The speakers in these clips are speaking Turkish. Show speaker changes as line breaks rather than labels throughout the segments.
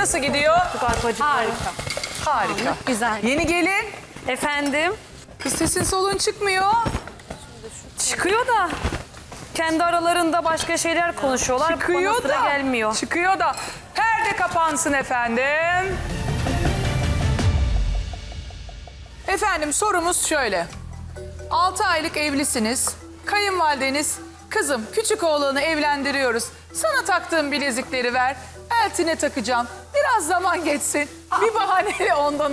nasıl gidiyor?
Harika.
Harika.
Güzel.
Yeni gelin.
Efendim?
Kız sesin solun çıkmıyor.
Çıkıyor da. Kendi aralarında başka şeyler konuşuyorlar. Bana
Çıkıyor
sıra
da.
gelmiyor.
Çıkıyor da. Perde kapansın efendim. Efendim sorumuz şöyle. 6 aylık evlisiniz. Kayınvalideniz, kızım küçük oğlanı evlendiriyoruz. Sana taktığım bilezikleri ver. Eltine takacağım. Biraz zaman geçsin. Bir bahaneyle ondan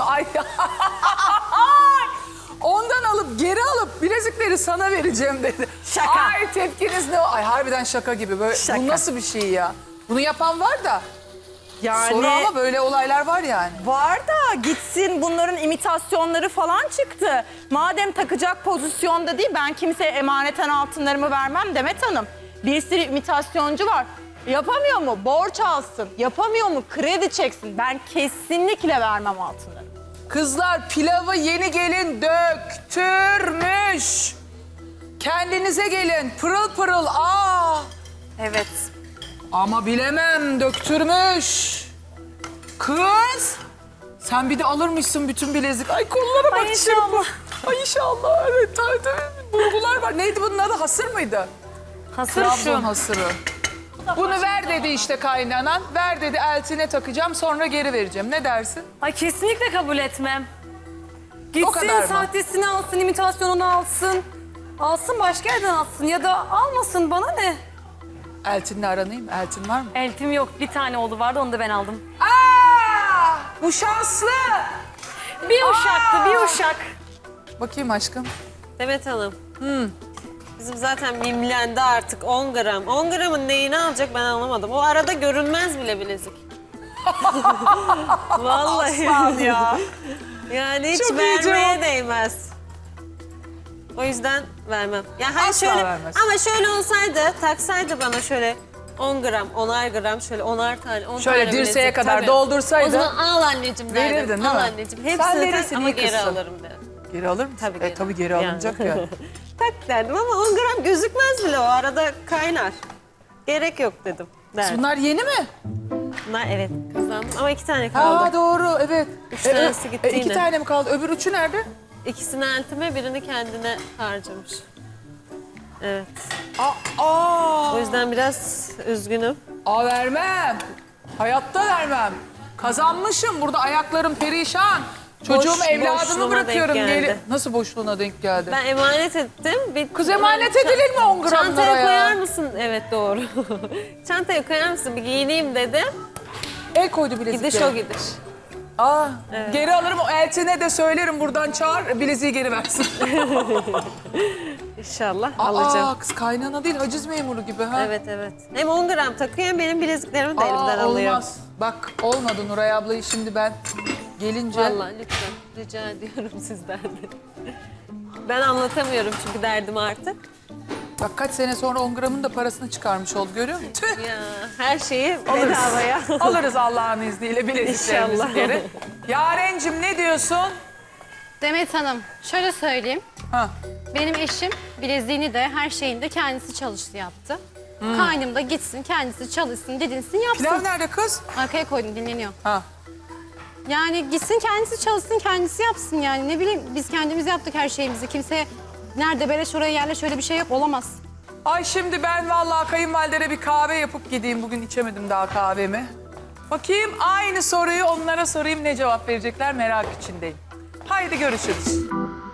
ondan alıp geri alıp bilezikleri sana vereceğim dedi.
Şaka.
Ay tepkiniz ne? Ay harbiden şaka gibi. Böyle,
Şaka.
bu nasıl bir şey ya? Bunu yapan var da.
Yani
Sonra ama böyle olaylar var yani.
var da gitsin, bunların imitasyonları falan çıktı. Madem takacak pozisyonda değil, ben kimseye emaneten altınlarımı vermem Demet Hanım. Bir sürü imitasyoncu var. Yapamıyor mu? Borç alsın. Yapamıyor mu? Kredi çeksin. Ben kesinlikle vermem altınları.
Kızlar pilavı yeni gelin döktürmüş. Kendinize gelin pırıl pırıl.
Evet.
Ama bilemem döktürmüş. Kız. Sen bir de alırmışsın bütün bilezik. Ay kollara bak.
Ay inşallah.
Ay inşallah. Evet tabii. Bulgular var. Neydi bunun adı? Hasır mıydı?
Hasır
Trabzon
şu.
hasırı. Bunu ver dedi işte kaynanan. Ver dedi eltine takacağım sonra geri vereceğim. Ne dersin?
Ay kesinlikle kabul etmem.
O kadar
Gitsin
mı?
sahtesini alsın, imitasyonunu alsın. Alsın başka yerden alsın ya da almasın, bana ne?
Eltinle aranayım. Eltin var mı?
Eltim yok, bir tane oğlu vardı, onu da ben aldım.
Bu şanslı.
Bir uşaktı, bir uşak.
Bakayım aşkım.
Demet Hanım. Bizim zaten mimlendi artık 10 gram. 10 gramın neyini alacak ben anlamadım. O arada görünmez bile bilezik. Vallahi.
ya.
Yani hiç
Çok iyi
vermeye
cevap.
değmez. O yüzden vermem. Ya hayır
Asla
şöyle
vermez.
ama şöyle olsaydı, taksaydı bana şöyle 10 gram, 10'ar gram, şöyle 10'ar tane, 10
Şöyle
tane
dirseğe
bilezik,
kadar
tabii.
doldursaydı-
O zaman al anneciğim derdim.
Verirdin, değil
al
mi?
anneciğim.
Sen
Hepsini
verirsin,
tak ama
iyi
geri
kızsın.
alırım derdim.
Geri alır mısın?
Tabii
Tabii geri alınacak ya.
Tak derdim ama 10 gram gözükmez bile, o arada kaynar. Gerek yok dedim. Derdim.
Bunlar yeni mi?
Bunlar evet kazandım ama 2 tane kaldı.
Aa doğru evet.
3 tanesi gitti
2
yine.
tane mi kaldı? Öbür üçü nerede?
İkisini eltime, birini kendine harcamış. Evet.
Aa.
O yüzden biraz üzgünüm.
Vermem. Hayatta vermem. Kazanmışım. Burada ayaklarım perişan. Çocuğumu,
Boş-
evladımı
boşluğuna
bırakıyorum.
denk geldi.
Nasıl boşluğuna denk geldi?
Ben emanet ettim.
Kız emanet edilir mi 10 gramlara
Çantaya
ya?
koyar mısın? Evet doğru. Çantaya koyar mısın? Bir giyineyim dedim.
El koydu bilezikleri.
Gidiş o gidiş.
Geri alırım. O eltine de söylerim buradan çağır. Bileziği geri versin.
İnşallah alacağım.
Kız kaynana değil haciz memuru gibi ha.
Evet evet. Hem 10 gram takıyor hem benim bileziklerimi de elimden alıyor.
Olmaz. Bak olmadı Nuray ablayı şimdi ben gelince.
Vallahi lütfen rica ediyorum sizden de. Ben anlatamıyorum çünkü derdimi artık.
Bak kaç sene sonra 10 gramın da parasını çıkarmış oldu görüyor musun? Tüh.
Ya her şeyi bedavaya.
Alırız Allah'ın izniyle bileziklerimizi
İnşallah.
geri. Yarencim ne diyorsun?
Demet Hanım, şöyle söyleyeyim.
Ha.
Benim eşim bileziğini de her şeyini de kendisi çalıştı yaptı. Kaynım da gitsin kendisi çalışsın dedinsin yapsın.
Pilav nerede kız?
Arkaya koydum dinleniyor.
Ha.
Yani gitsin kendisi çalışsın kendisi yapsın yani ne bileyim biz kendimiz yaptık her şeyimizi. Kimseye nerede beleş oraya yerle şöyle bir şey yok olamaz.
Ay şimdi ben vallahi kayınvalidere bir kahve yapıp gideyim. Bugün içemedim daha kahvemi. Bakayım aynı soruyu onlara sorayım ne cevap verecekler merak içindeyim. Haydi görüşürüz.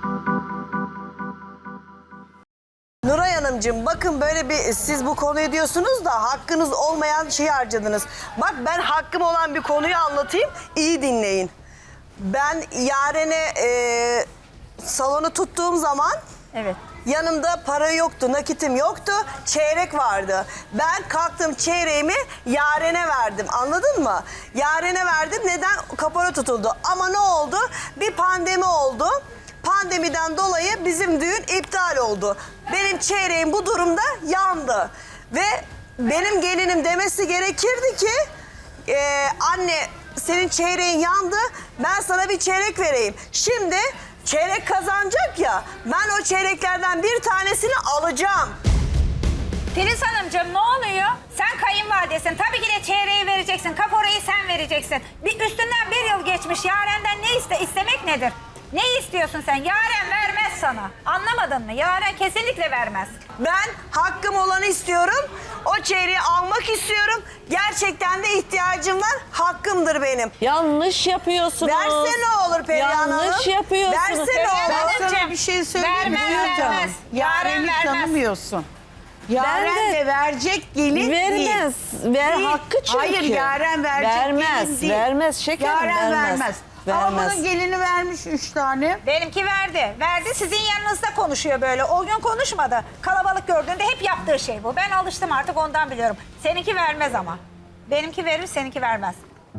Nuray Hanımcığım bakın böyle bir siz bu konuyu diyorsunuz da hakkınız olmayan şeyi harcadınız. Bak ben hakkım olan bir konuyu anlatayım iyi dinleyin. Ben Yaren'e salonu tuttuğum zaman yanımda para yoktu, nakitim yoktu, çeyrek vardı. Ben kalktım çeyreğimi Yaren'e verdim anladın mı? Yaren'e verdim neden? Kapora tutuldu ama ne oldu? Bir pandemi oldu. Pandemiden dolayı bizim düğün iptal oldu. Benim çeyreğim bu durumda yandı. Ve benim gelinim demesi gerekirdi ki... anne senin çeyreğin yandı, ben sana bir çeyrek vereyim. Şimdi çeyrek kazanacak ya, ben o çeyreklerden bir tanesini alacağım.
Filiz Hanımcığım ne oluyor? Sen kayınvalidesin. Tabii ki de çeyreği vereceksin. Kaporayı sen vereceksin. Bir üstünden 1 yıl geçmiş. Yaren'den ne istemek nedir? Ne istiyorsun sen? Yaren vermez sana. Anlamadın mı? Yaren kesinlikle vermez.
Ben hakkım olanı istiyorum. O çeyreği almak istiyorum. Gerçekten de ihtiyacım var. Hakkımdır benim.
Yanlış yapıyorsunuz.
Verse ne olur Perihan Hanım?
Yanlış yapıyorsunuz.
Verse ne olur?
Ben
Sana bir şey söyleyeyim mi?
Vermez,
Canım?
vermez.
Yaren'i
Yaren vermez.
tanımıyorsun. Yaren
Ben de-
de verecek gelin değil.
Vermez. Ver
Değil.
hakkı çünkü.
Hayır, Yaren verecek
vermez,
gelin değil.
Vermez şekerim,
Yaren vermez. Ama
Vermez.
bunun gelini vermiş 3 tane.
Benimki verdi. Verdi sizin yanınızda konuşuyor böyle. O gün konuşmadı. Kalabalık gördüğünde hep yaptığı şey bu. Ben alıştım artık ondan biliyorum. Seninki vermez ama. Benimki verir, seninki vermez.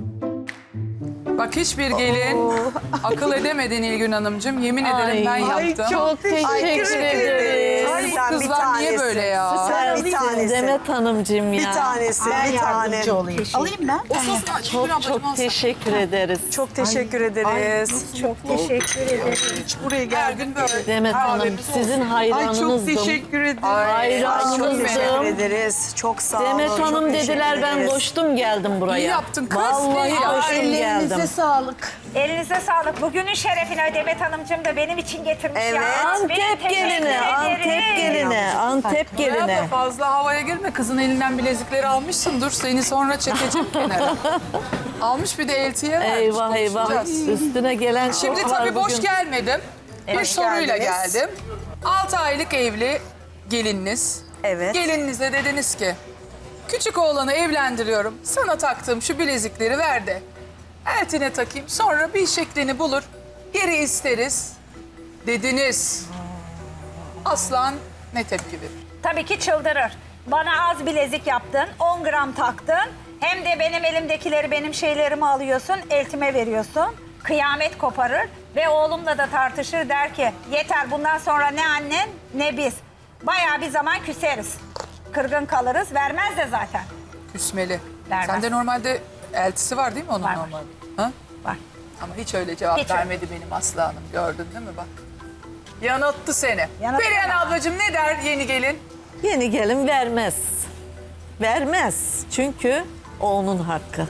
Bak hiçbir gelin akıl edemedi Nilgün Hanımcığım. Yemin ederim ben yaptım.
Çok teşekkür ederim.
Ay,
Bu
sen bir
kızlar niye
tanesi.
böyle ya?
Sen bir
Sensin
tanesi.
Demet Hanımcığım ya.
Bir tanesi,
Ben
bir tane.
yardımcı olayım. Alayım ben.
Çok teşekkür ederiz.
Çok teşekkür ederiz.
Hiç buraya
Her
geldim.
gün böyle.
Demet Hanım
Kahvemiz
sizin
Ay çok
hayranınızdım.
teşekkür ederim.
Ay, çok
Hayranınızdım.
teşekkür ederiz. Çok sağ olun.
Demet
çok
Hanım
teşekkür
dediler ben
ederiz.
koştum geldim buraya.
İyi yaptın kız,
Vallahi
iyi yaptın.
koştum
Ellerinize
geldim.
sağlık.
Elinize sağlık. Bugünün şerefine Demet Hanımcığım da benim için getirmiş
Evet.
ya.
Antep
Teşekkür
geline,
ederim.
Antep geline, Antep
Ya da
geline.
fazla havaya girme. Kızın elinden bilezikleri almışsın. Dur seni sonra çekeceğim kenara. Almış bir de eltiye vermiş.
Eyvah eyvah.
Konuşacağız.
Üstüne gelen
Şimdi
çok var
tabii boş
bugün.
gelmedim. Bir
Hoş
soruyla
geldiniz.
geldim. 6 aylık evli gelininiz.
Evet.
Gelininize dediniz ki küçük oğlanı evlendiriyorum. Sana taktığım şu bilezikleri ver de eltine takayım. Sonra bir şeklini bulur. Geri isteriz dediniz. Aslan ne tepki verir?
Tabii ki çıldırır. Bana az bilezik yaptın, 10 gram taktın. Hem de benim elimdekileri, benim şeylerimi alıyorsun, eltime veriyorsun. Kıyamet koparır ve oğlumla da tartışır, der ki yeter bundan sonra ne annen ne biz. Bayağı bir zaman küseriz. Kırgın kalırız, vermez de zaten.
Küsmeli.
Vermez.
Sende normalde eltisi var değil mi onun
Var.
normalde? Ha?
Var.
Ama hiç öyle cevap
Hiç öyle.
vermedi benim Aslı Hanım. Gördün değil mi bak? Yanılttı seni.
Yanılttı
Perihan
ama.
ablacığım ne der yeni gelin?
Yeni gelin vermez. Vermez. Çünkü o onun hakkı.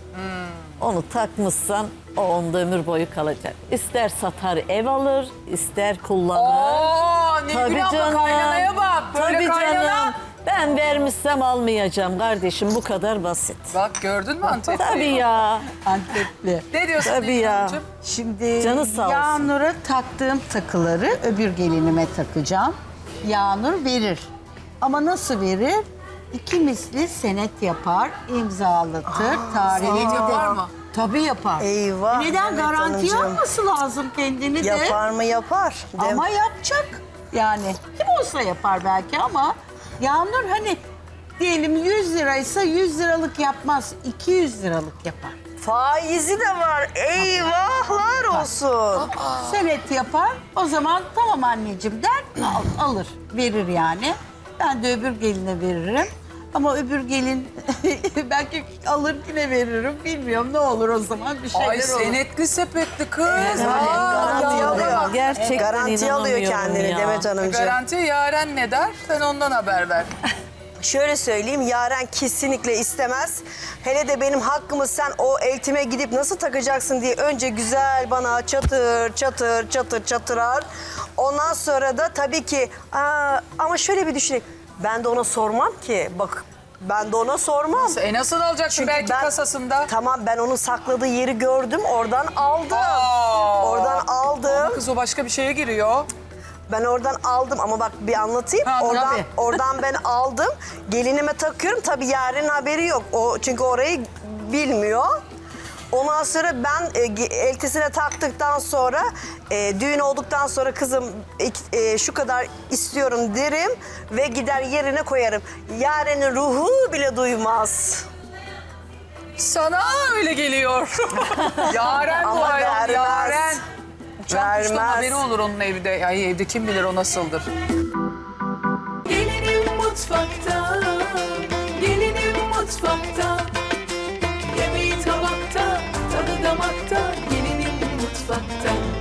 Onu takmışsan o onda ömür boyu kalacak. İster satar ev alır, ister kullanır.
Oo, Nilgün abla kaynanaya bak. Böyle
Tabii
kaynana.
canım. Ben vermişsem almayacağım kardeşim. Bu kadar basit.
Bak gördün mü Antep'i?
Tabii ya.
Antepli.
Ne diyorsun
Tabii
Nilgün
ya.
Hanımcığım?
Şimdi
Canı sağ olsun.
Yağnur'a taktığım takıları öbür gelinime takacağım. Yağnur verir. Ama nasıl verir? 2 misli senet yapar, imzalatır, tarihini
senet
de.
yapar mı?
Tabii yapar.
Eyvah,
Neden
Demet
garantiye
Hanımcığım.
alması lazım kendini de.
Yapar mı yapar.
Ama yapacak. Yani kim olsa yapar belki ama Yağnur hani diyelim 100 liraysa 100 liralık yapmaz. 200 liralık yapar.
Faizi de var. Eyvahlar olsun.
Senet yapar. O zaman tamam anneciğim der alır. Verir yani. Ben de öbür geline veririm. Ama öbür gelin belki alır yine veririm. Bilmiyorum ne olur o zaman bir şeyler
Ay
olur.
senetli sepetli kız.
Garanti
ya.
alıyor.
Gerçekten
Garanti alıyor
inanamıyorum
kendini
ya.
Demet Hanımcığım.
Garanti Yaren ne der? Sen ondan haber ver.
Şöyle söyleyeyim, Yaren kesinlikle istemez. Hele de benim hakkımı sen o eltime gidip nasıl takacaksın diye önce güzel bana çatır çatır çatır çatırar. Ondan sonra da tabii ki ama şöyle bir düşüneyim. Ben de ona sormam ki. Bak ben de ona sormam.
Nasıl alacaksın belki kasasında?
Tamam ben onun sakladığı yeri gördüm. Oradan aldım. Oradan aldım.
Kız o başka bir şeye giriyor.
Ben oradan aldım ama bak bir anlatayım.
Ha, tabii.
Oradan ben aldım. Gelinime takıyorum. Tabii Yaren'in haberi yok. O çünkü orayı bilmiyor. Ondan sonra ben eltisine taktıktan sonra düğün olduktan sonra kızım şu kadar istiyorum derim ve gider yerine koyarım. Yaren'in ruhu bile duymaz.
Sana öyle geliyor. Yaren bu
Ama
ayol,
vermez.
Yaren. Uçan kuştan
Vermez.
haberi olur onun evde. Ay evde kim bilir o nasıldır.
Gelinim mutfakta, gelinim mutfakta.